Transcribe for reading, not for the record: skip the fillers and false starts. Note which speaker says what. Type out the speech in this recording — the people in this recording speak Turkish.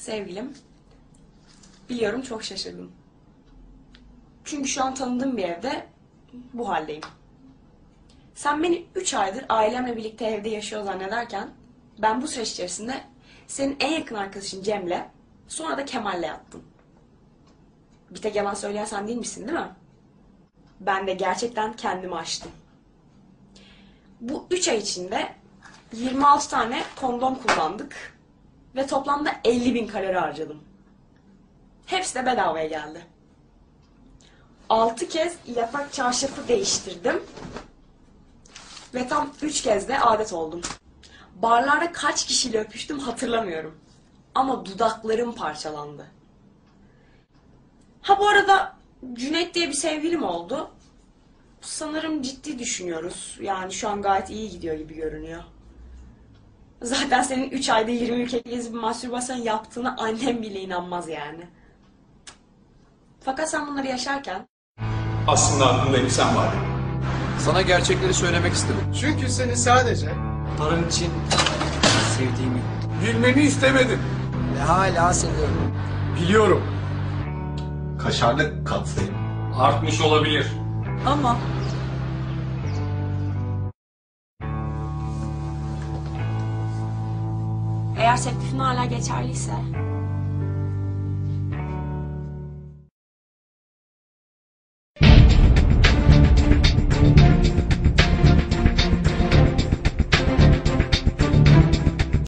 Speaker 1: Sevgilim, biliyorum çok şaşırdım. Çünkü şu an tanıdığım bir evde bu haldeyim. Sen beni 3 aydır ailemle birlikte evde yaşıyor zannederken ben bu süreç içerisinde senin en yakın arkadaşın Cem'le sonra da Kemal'le yattım. Bir tek yalan söyleyen sen değil misin, değil mi? Ben de gerçekten kendimi aştım. Bu 3 ay içinde 26 tane kondom kullandık ve toplamda 50.000 kalori harcadım. Hepsi de bedavaya geldi. 6 kez yatak çarşafı değiştirdim ve tam 3 kez de adet oldum. Barlarda kaç kişiyle öpüştüm hatırlamıyorum. Ama dudaklarım parçalandı. Ha bu arada Cüneyt diye bir sevgilim oldu. Sanırım ciddi düşünüyoruz. Yani şu an gayet iyi gidiyor gibi görünüyor. Zaten senin 3 ayda 20 ülke gezip mastürbasyon yaptığına annem bile inanmaz yani. Fakat sen bunları yaşarken...
Speaker 2: Aslında aklımda bir sen var.
Speaker 3: Sana gerçekleri söylemek istedim.
Speaker 2: Çünkü seni sadece
Speaker 3: Tarım için sevdiğimi
Speaker 2: bilmeni istemedim.
Speaker 3: ve hala seviyorum.
Speaker 2: Biliyorum.
Speaker 4: Kaşarlı katsayım.
Speaker 2: Artmış olabilir.
Speaker 1: Ama... Eğer teklifin hala geçerliyse